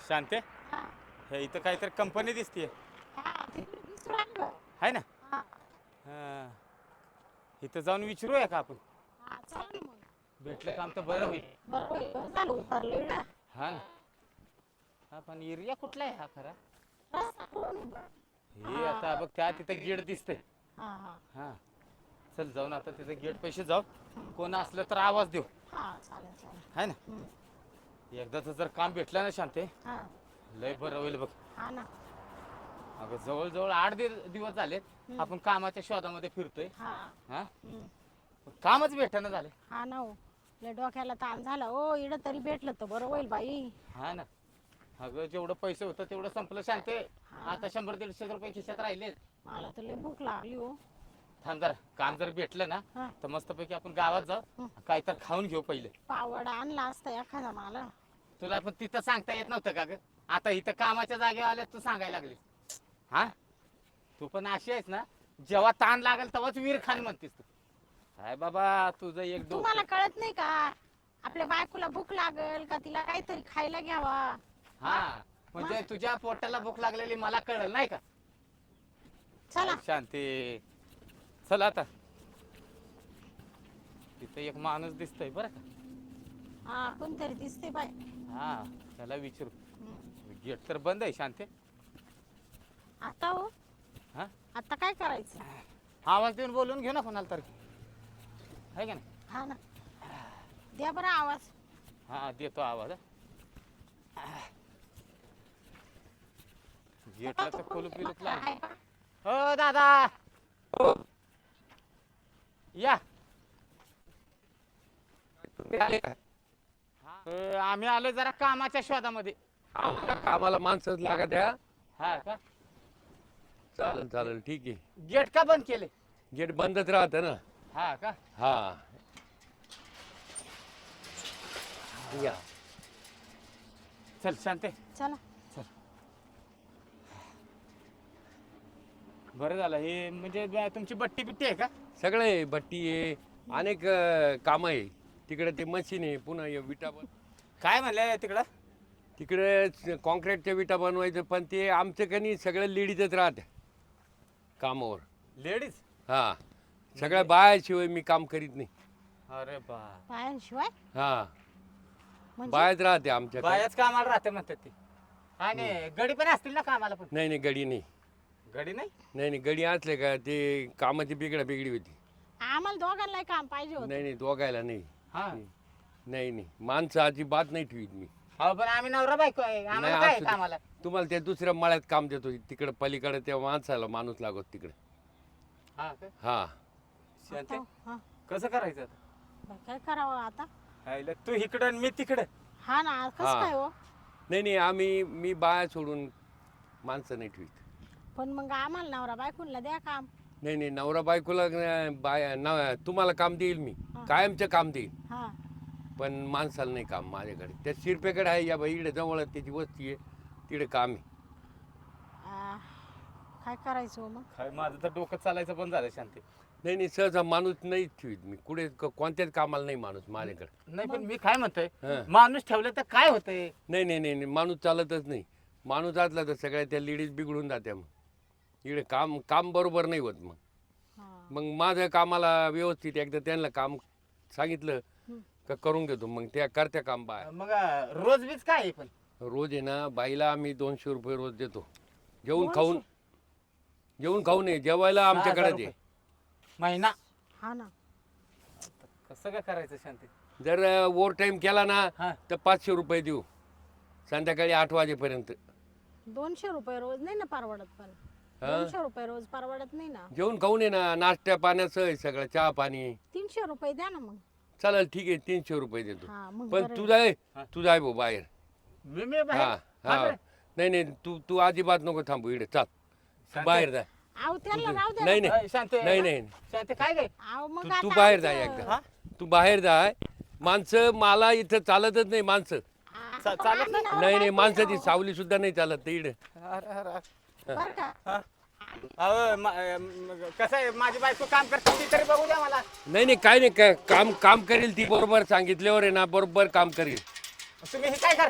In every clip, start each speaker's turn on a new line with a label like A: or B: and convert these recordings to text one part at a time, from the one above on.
A: शांते
B: हा,
A: हे इथं काहीतरी कंपनी दिसतीये
B: हा, तिकडे दिसून राहिलं.
A: आहे ना.
B: हा,
A: हां, इथं जाऊन विचारूया का आपण?
B: हा, चला ना मग.
A: भेटलं काम तर बरं होईल.
B: बरोबर आहे, बरं झालं उतरलं ना.
A: हा ना. हा पण एरिया कुठला आहे हा खरा?
B: रस्ता कुठून आहे बरं?
A: हे आता बघ त्या तिथं गेट दिसतंय.
B: हा, हा,
A: हां, चल जाऊन आता तिथं गेट पैसे जाऊ. कोण असलं तर आवाज देऊ.
B: हा, चालेल चालेल.
A: आहे ना.
B: हम्म,
A: एकदाच जर काम भेटलं ना शांते,
B: हा,
A: लय बरं होईल बघ.
B: हा ना.
A: अगं जवळजवळ 8 दिवस झालेत आपण कामाच्या शोधामध्ये फिरतोय.
B: हा,
A: हा,
B: हम्म,
A: कामच भेटेना झालं.
B: हा ना हो. लय डोक्याला ताण झाला ओ, इकडं तरी भेटलं तर बरं होईल बाई.
A: हा ना. अगं जेवढं पैसे होतं तेवढं संपलं शांते. आता 100-150 रुपये खिशात राहिलेत.
B: मला तर लय भूक लागली हो.
A: थांब जरा काम जर भेटलं ना
B: हा,
A: तर मस्तपैकी आपण गावात जाऊ, काय तर खाऊन घेऊ पहिले.
B: पावडा आणला असता एखादा मला.
A: तुला पण तिथं सांगता येत नव्हतं का ग? आता इथं कामाच्या जागेवर आल्यात तू सांगायला लागली. हा, तू पण अशी आहेस ना, जेव्हा ताण लागेल तेव्हाच वीर खान म्हणतेस तू. काय बाबा तुझं एक
B: तुम्हाला
A: डोकं.
B: कळत नाही का आपल्या बायकोला भूक लागल का तिला काहीतरी खायला घ्यावा.
A: हा, म्हणजे तुझ्या पोटाला भूक लागलेली मला कळलं नाही का?
B: चला.
A: शांती चल आता. तिथं एक माणूस दिसतोय बरं का.
B: हा, कोणतरी दिसते बाय.
A: हा, त्याला विचारू.
B: हम्म.
A: गेट तर बंद आहे शांते.
B: आता हो,
A: हा,
B: आता काय करायचं?
A: आवाज देऊन बोलून घेऊ ना कोणाला तरी, आहे का नाही?
B: हा ना, द्या बरं आवाज.
A: हा देतो आवाज. गेटला तर कुलूप बिलूप लाव.
B: आहे का?
A: हो दादा या. आम्ही आलो जरा कामाच्या शोधामध्ये.
C: आम्हाला कामाला माणसंच लागा द्या.
A: हा का?
C: चालेल चालेल ठीक आहे.
A: गेट का बंद केले?
C: गेट बंदच राहतं ना.
A: हा का?
C: हा या.
A: चल शांते.
B: चला.
A: बरं झालं हे म्हणजे तुमची बट्टी बिट्टी आहे का?
C: सगळे भट्टी आहे, अनेक कामं आहे. तिकडे ते मशीन आहे, पुन्हा हे विटा
A: काय म्हणलं तिकडं?
C: तिकडे कॉन्क्रीटच्या विटा बनवायचं, पण ते आमचं कनी सगळं लेडीजच राहते कामावर.
A: लेडीज?
C: हा, सगळ्या बायाशिवाय मी काम करीत नाही.
A: अरे बा,
B: बायांशिवाय
C: हा,
B: म्हणजे
C: बायाच राहते आमच्याकडे.
A: बायाच कामाला राहते म्हणतात ते. आणि गडी पण असतील ना कामाला पण?
C: नाही नाही गडी नाही.
A: गडी नाही?
C: नाही नाही गडी असले का ते कामाची बिघडी होती.
B: आम्हाला दोघांना काम पाहिजे होतं.
C: नाही नाही दोघायला नाही.
A: हा.
C: नाही नाही माणसं अजिबात नाही ठेवीत मी.
A: हो पण आम्ही नवरा बायको आहे, आम्हाला काय आहे
C: असू दे.
A: कामाला?
C: तुम्हाला त्या दुसऱ्या मळ्यात काम देतो तिकडे पलीकडे त्या माणसाला माणूस लागत तिकडे.
A: हा का?
C: हा
A: शांते
B: हा,
A: कसं करायचं आता?
B: बाई, काय करावं आता?
A: हायला तू इकडं आणि मी तिकडं.
B: हा ना, कसं
C: हा.
B: काय हो?
C: नाही नाही मी बाया सोडून माणसं नाही ठेवीत.
B: पण मग आम्हाला नवरा बायकोला द्या काम.
C: नाही नाही नवरा बायकोला तुम्हाला काम देईल मी, कायमचं काम देईल.
B: हा,
C: पण माणसाला नाही काम माझ्याकडे. त्या शिरपेकडे आहे या बाई इकडे जवळ त्याची वस्ती आहे, तिकडे काम आहे.
B: काय करायचं हो मग?
A: काय माझं तर डोकं चालायचं बंद झालं शांती.
C: नाही नाही सहसा माणूस नाही ठेवीत मी कुठे कोणत्याच कामाला नाही माणूस माझ्याकडे.
A: नाही पण मी काय म्हणतोय,
C: हा.
A: माणूस ठेवलं तर काय होतंय?
C: नाही नाही नाही नाही माणूस चालतच नाही. माणूस असला तर सगळ्या त्या लेडीज बिघडून जात्या. मग इकडे काम काम बरोबर नाही होत.
B: हा,
C: मग माझ्या कामाला व्यवस्थित एकदा त्यांना काम सांगितलं का करून घेतो, मग त्या करत्या काम बाय.
A: मग रोज बीज काय आहे पण?
C: रोज आहे ना बाईला आम्ही 200 रुपये रोज देतो. जेवून खाऊन आहे जेवायला आमच्याकडे
A: 6,000
C: दे.
A: रुपये महिना?
B: हा ना.
A: कसं काय करायचं शांती?
C: जर ओव्हर टाईम केला ना
A: हा.
C: तर 500 रुपये देऊ संध्याकाळी 8 वाजेपर्यंत.
B: 200 रुपये रोज नाही ना परवडत. पण
C: हा?
B: 200 रुपये रोज परवडत नाही ना.
C: जेवून खाऊन आहे ना, नाश्त्या पाण्याचं आहे सगळं, चहा पाणी.
B: 300 रुपये द्या ना मग.
C: चालेल ठीक आहे 300 रुपये देतो.
B: हा, मग
C: पण
B: बरं
C: तू
B: आहे.
C: जाय
A: हा.
C: तू जाय भाऊ बाहेर.
A: मी बाहेर?
C: हा हा
A: बापरे.
C: नाही नाही तू अजिबात नको थांबू इकडे. चाल तू बाहेर जा.
B: आव त्याला राहू द्या.
C: नाही नाही
A: शांती
C: नाही नाही
A: शांती काय काय?
B: आव मग
C: तू
B: आता
C: बाहेर जाय
B: आमचं-
C: एकदा.
A: हा?
C: तू बाहेर जाय. माणसं मला इथं चालतच नाही माणसं.
B: आ,
A: चालत
B: आम्ही नवरा
C: नाही नाही
B: बायको
C: माणसाची
B: आहो.
C: सावली सुद्धा नाही चालत इकडे.
B: बरं का?
A: अहो, कसं आहे माझी बायको काम करते ती तरी बघू द्या मला.
C: नाही नाही काय नाही काम काम करेल ती बरोबर सांगितल्यावर आहे ना बरोबर काम करेल.
A: तुम्ही हे काय करताय?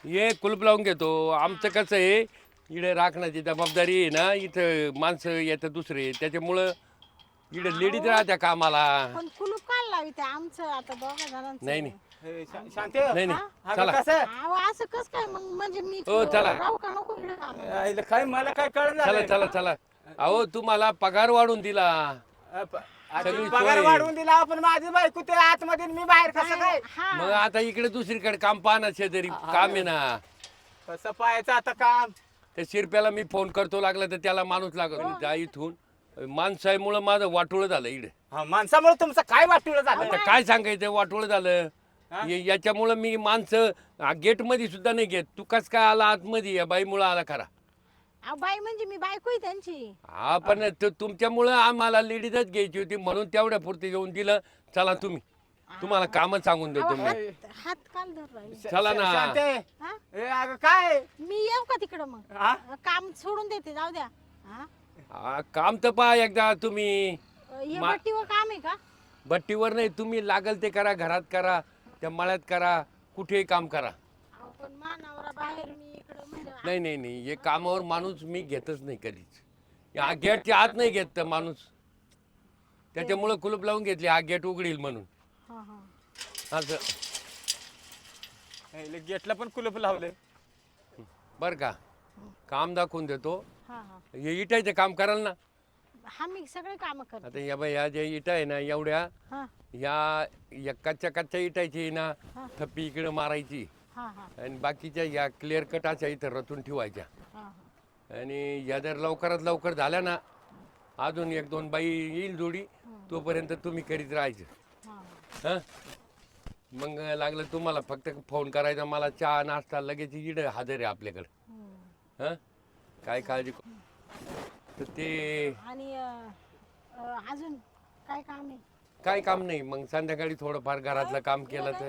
C: हे कुलूप लावून घेतो. आमचं कसं आहे इकडे राखण्याची जबाबदारी आहे ना, इथं माणसं येतं दुसरे, त्याच्यामुळं इकडे लेडीज राहत्या कामाला.
B: पण कुलूप काय लावित आमचं आता दोघा जणांचं
C: नाही नाही
A: शांती
C: नाही नाही
A: अगं
C: चला
A: कसं
B: अहो, असं कस काय मग म्हणजे मी
C: हो, चला.
B: राहू का नको इकडे काम?
A: आईला काय मला काय कळलं
C: चला चला चला. अहो तुम्हाला पगार वाढून दिला. सगळी
A: पगार
C: सोय.
A: वाढवून दिला आपण माझी बायको ते आतमध्ये आणि मी बाहेर कसं काय
B: हा
C: मग आता इकडे दुसरीकडे काम पाहना शेजारी काम आहे ना.
A: कसं पाहायचं आता काम
C: त्या शिरप्याला मी फोन करतो लागला तर त्याला माणूस लागत जा इथून. माणसामुळं माझं वाटोळं झालं इकडे.
A: हा, माणसामुळे तुमचं काय वाटलं झालं
C: आता काय सांगायचं वाटोळं झालं. याच्यामुळं मी माणसं गेट मध्ये सुद्धा नाही घेत. तू कस काय आला आतमध्ये या बाईमुळं आला खरा.
B: अहो, बाई म्हणजे मी बायको आहे त्यांची.
C: हा पण तुमच्यामुळं आम्हाला लेडीजच घ्यायची होती म्हणून तेवढ्या पुरती येऊन दिलं. चला तुम्ही तुम्हाला कामच सांगून देतो
B: अहो,
C: मी.
B: हात काल धर राहिले.
C: चला ना.
A: शांते
B: हा?
A: ए अगं काय
B: मी येऊ का तिकडं मग
A: हा?
B: काम सोडून देते जाऊ द्या. हा?
C: काम तर पहा एकदा तुम्ही.
B: हे
C: मा-
B: भट्टीवर काम आहे का?
C: भट्टीवर नाही तुम्ही लागल ते करा. घरात करा त्या मळ्यात करा कुठेही काम करा.
B: अहो, पण मानावरा बाहेर मी इकडं म्हणजे
C: नाही नाही नाही हे कामावर माणूस मी घेतच नाही कधीच. या गेटच्या आत नाही घेत तर माणूस. त्याच्यामुळं कुलूप लावून घेतली हा गेट उघडील म्हणून.
B: हा हा
C: असं
A: गेटला पण कुलूप लावले
C: बरं का. काम दाखवून देतो.
B: हा हा
C: हे इटायचं काम कराल ना.
B: हा मी सगळे काम करते.
C: आता या बाई या ज्या इटा आहे ना एवढ्या
B: हा
C: या कच्च्या कच्च्या इटायची ना
B: हा.
C: थप्पी इकडे मारायची
B: हा हा
C: आणि बाकीच्या या क्लिअर कटाच्या इथं रचून ठेवायच्या.
B: हा हा.
C: आणि या जर लवकरात लवकर झाल्या ना अजून एक दोन बाई येईल जोडी तोपर्यंत तुम्ही करीत राहायचं.
B: हा
C: हं मग लागलं तुम्हाला फक्त फोन करायचा मला चहा नाश्ता लगेच इड हजर आहे आपल्याकडं.
B: हम्म.
C: हं काय काळजी तर ते
B: आणि अजून काय काम आहे?
C: काय काम नाही. मग संध्याकाळी थोडंफार घरातलं काम केलं तर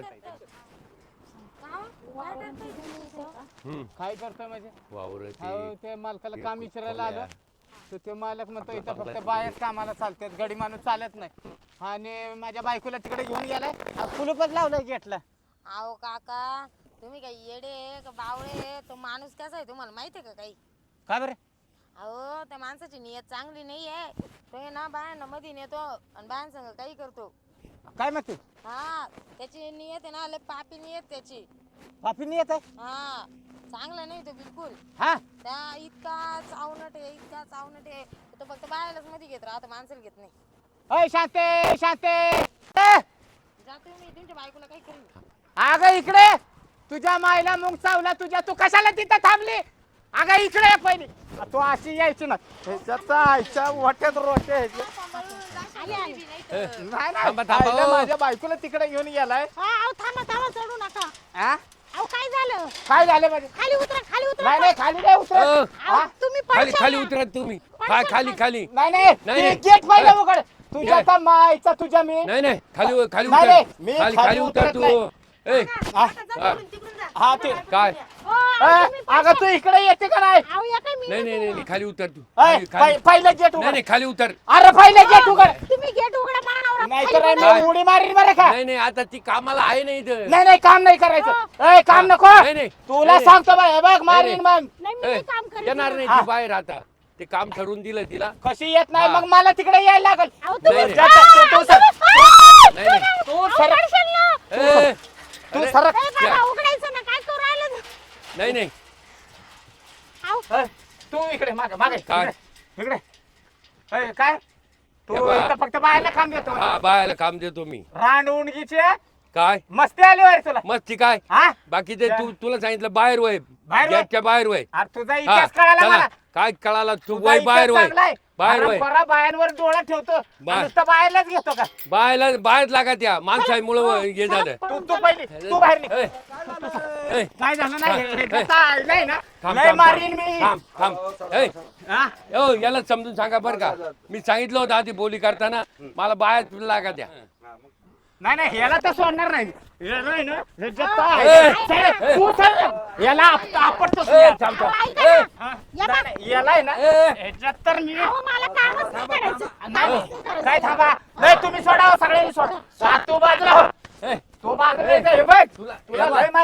A: काय करतोय म्हणजे
C: वावर
A: अहो, ते मालकाला काम विचारायला आलं तर ते मालक म्हणतो इथं फक्त बायाच कामाला चालतात गडी माणूस चालत नाही. आणि माझ्या बायकोला तिकडे घेऊन गेलाय कुलूपच लावलंय गेटला.
D: अहो काका तुम्ही काही येडे का बावळे तो माणूस कसा आहे तुम्हाला माहिती आहे का काही?
A: का बरं
D: अहो त्या माणसाची नियत चांगली नाही आहे. तो आहे ना बायांना मध्ये नेतो आणि बायांसंग काही करतो.
A: काय म्हणते
D: हा त्याची नियत आहे ना लय पापी नियत त्याची.
A: पापीने येत आहे
D: हा चांगला नाही तो बिलकुल.
A: हा
D: त्या इतका चावनट आहे तो फक्त बायालाच मध्ये घेत राहतो माणसाला घेत नाही.
A: अय शांते शांते
D: जातो मी तुमच्या बायकोला काही करेन.
A: अगं इकडे तुझ्या मायला मुंग चावला तुझ्या तू कशाला तिथं थांबली. अगं इकडे ये पहिली तू अशी यायची ना ह्याच्यात आईच्या वाट्यात रोटे ह्याचे. नाही
C: थांबा,
A: नाही
C: थांबा,
A: आईला
C: हो.
A: माझ्या बायकोला तिकडे घेऊन गेलाय.
B: हा, अहो थांबा थांबा चढू नका.
A: हा?
B: अहो काय झालं?
A: काय झालं माझे
B: खाली उतरा
A: नाही
B: उतरा.
A: नाही खाली नाही उतर.
C: अ,
B: अहो, तुम्ही
C: खाली
B: पडशाल
C: खाली
B: ना.
C: उतरा तुम्ही. खाली खाली
A: नाही
C: नाही,
A: नाही
C: नाही.
A: गेट पहिलं उघड तुझ्या
C: नाही.
A: का मायचा तुझ्या मी
C: नाही नाही खाली खाली
A: नाही,
C: उतर.
A: नाही, मी
C: खाली
A: खाली
C: खाली उतर
A: उतरत
C: तू.
A: नाही.
C: ए
A: हा? हा ते
C: काय
B: हो, अहो, तुम्ही
A: अगं तू इकडे येते का नाही
B: अहो या काय मी
C: नाही नाही नाही खाली उतर तू.
A: अय,
C: खाली खाली
A: पहिलं गेट
C: नाही
A: उघड
C: नाही खाली उतर.
A: अरे पहिलं गेट उघड
B: तुम्ही गेट उघडा मानावरा.
A: नाही
B: खाली
A: तर
B: उतरा.
A: मी उडी मारीन बरं का.
C: नाही नाही आता ती कामाला आहे नाही इथं.
A: नाही नाही काम नाही करायचं ए काम नको
C: नाही, नाही.
A: तुला
C: नाही,
A: सांगतो बाय हे बघ मारीन मग
B: नाही मी
C: ए,
B: नाही काम करीत.
C: येणार नाही
A: हा.
C: ती बाहेर आता. ते काम ठरवून दिलं तिला.
A: कशी येत नाही
C: हा.
A: मग मला तिकडे यायला लागल
B: अहो तुम्ही
C: नाही,
A: जा, तू सर.
C: नाही नाही
A: तू
B: अहो,
A: सर
B: पडशाल ना.
C: ए,
A: तू
C: अरे,
A: सरक
B: ए, बाबा, उघडायचं ना काय करू राहिलं?
C: नाही नाही
B: अहो,
A: ए, तू इकडे मागे मागे
C: काय?
A: इकडे ए, काय तू
C: हे बघ.
A: इथं फक्त बाहेरला काम देतो
C: हा बायाला काम देतो मी.
A: रान उंडगीचे
C: काय
A: मस्ती आली वार तुला
C: मस्ती काय
A: हा
C: बाकी ते तुला सांगितलं बाहेर वय
A: बाहेर वय?
C: गेटच्या बाहेर वय.
A: अरे तुझा
C: हा,
A: इतिहास कळाला
C: चला.
A: मला
C: काय कळाला तू
A: तुझा
C: वय बाहेर
A: इतिहास
C: वय
A: चांगला आहे.
C: बाहेर
A: अरे
C: वय
A: बरा बायांवर डोळा ठेवतो आणि
C: बाहेर.
A: नुसतं बाहेरलाच घेतो का
C: बाहेर बाहेर लागा त्या माणसामुळं हे झालं.
A: तू तू पहिली तू बाहेर निघ.
C: ए, ए,
A: काय झालं नाही हे- हे
C: ए.
A: जसं आलंय ना
C: थांब,
A: लय
C: थांब,
A: मारीन मी
C: थांब थांब ए,
A: हा?
C: ओ याला समजून सांगा बरं का. मी सांगितलं होतं आधी बोली करताना मला बाहेर लागा त्या.
A: नाही नाही याला तर सोडणार नाही याला आहे ना, हे जसं
C: ए,
A: आहे. चल, तू चल. याला आपटतोस मी.
C: ए, थांब थांब
B: ऐका
C: ए,
B: ना.
A: हा?
B: या
A: नाही, नाही, याला आहे ना
C: ए.
A: ह्याच्यात तर मी
B: अहो, मला कामच नाही करायचं.
A: नाही, काय थांबा नाही तुम्ही सोडा हो, सगळ्यांनी सोडा तू बाजूला हो.
C: ए,
A: तू बाजूला ये, हे बघ
C: तुला
A: तुला लय मारीन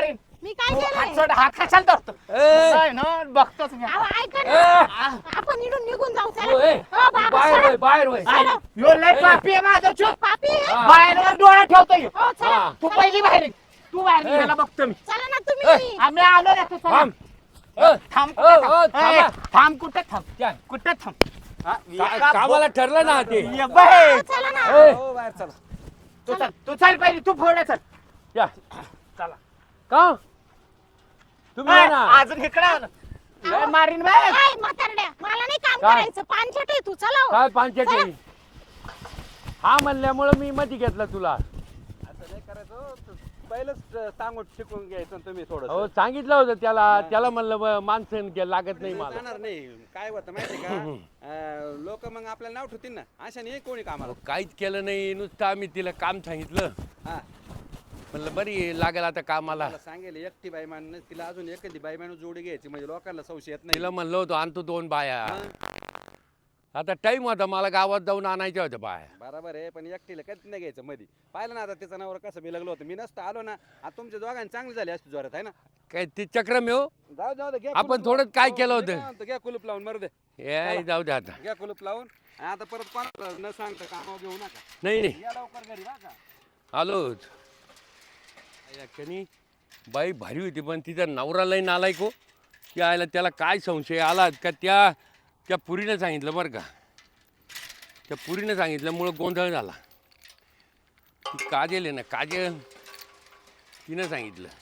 B: मी काय
A: तू हात
B: केलंय
A: सोड, हात कशाला धरतो?
C: ए!
A: नाही ना, बघतोच मी.
B: अहो, ऐका
C: ए!
B: ना आपण इकडून निघून जाऊ चला.
C: ओ, ए,
B: हो, बाबा,
C: बाहेर
B: चला.
C: होय बाहेर होय
A: आई, ह्यो लय पापी आहे माझा चूक.
B: पापी आहे?
C: हा.
A: बाहेरवर डोळा ठेवतोय.
B: हो चला
C: हा.
A: तू पहिली बाहेर ये. तू बाहेर ये,
C: ए.
A: याला बघतो मी.
B: चला ना तुम्ही
A: आम्ही आलो ना, तू चला.
C: थांब ए,
A: थांब
C: ओ,
A: कुठं
C: ओ,
A: थांब? ए,
C: थांबा.
A: थांब कुठं थांब?
C: काय?
A: कुठं थांब? हा, एका
C: कामाला ठरलं ना ते
A: ये बाहेर.
B: चला ना
C: ए,
E: हो बाहेर चला.
A: तू चल पहिली, तू पुढे चल.
C: या.
A: चला.
C: का तुम्ही
A: ए,
C: या ना
A: अजून इकडे आलो. लय मारीन बाय.
B: काय म्हातारड्या मला नाही काम
C: काय?
B: करायचं पानछट आहे तू चला हो.
C: काय पांचटी हा म्हणल्यामुळं मी मधी घेतला तुला
E: असं नाही करायचं हो. पहिलंच सांगून शिकून घ्यायचं ना तुम्ही थोडं
C: हो सांगितलं होतं त्याला म्हणलं माणसं लागत नाही मला
E: जाणार नाही काय होतं माहिती का लोक मग आपल्याला नाव ठेवतील ना अशा नाही कोणी कामाला
C: अहो, काहीच केलं नाही नुसतं आम्ही तिला काम सांगितलं
E: हा
C: म्हणलं बरी लागेल आता कामाला
E: मला सांगेल एकटी बाई मान तिला अजून एखादी बाई माणूस जोडी घ्यायची म्हणजे लोकांना संशय येत नाही
C: तिला म्हणलं होतं आणतो 2 बाया
E: मग
C: आता टाइम होता मला गावात जाऊन आणायच्या होत्या बाया
E: बरोबर आहे पण एकटीला कधीच नाही घ्यायचं मध्ये पाहिलं ना आता त्याचं नावर कसं बिलगलं होतं मी नसतं आलो ना आता तुमच्या दोघांनी चांगली झाली असती जोरात आहे ना
C: काय ते चक्रम आहे हो
E: जाऊ जाऊ दे, घ्या
C: आपण
E: कुलूप
C: थोडं
E: लावून.
C: काय
E: हो,
C: केलं
E: मी
C: होतं?
E: काय म्हणतो, घ्या कुलूप लावून मरू दे
C: ए जाऊ दे आता
E: घ्या कुलूप लावून आणि आता परत कोणाला न सांगता कामावर घेऊ नका
C: नाही नाही
E: या लवकर घरी बा का
C: आलोच याच्यानी बाई भारी होती पण तिचा नवरा लई नालायक हो यायला त्याला काय संशय आला का त्या पुरीनं सांगितलं बरं का त्या पुरीनं सांगितल्यामुळं गोंधळ झाला ती काजल आहे ना काजल तिनं सांगितलं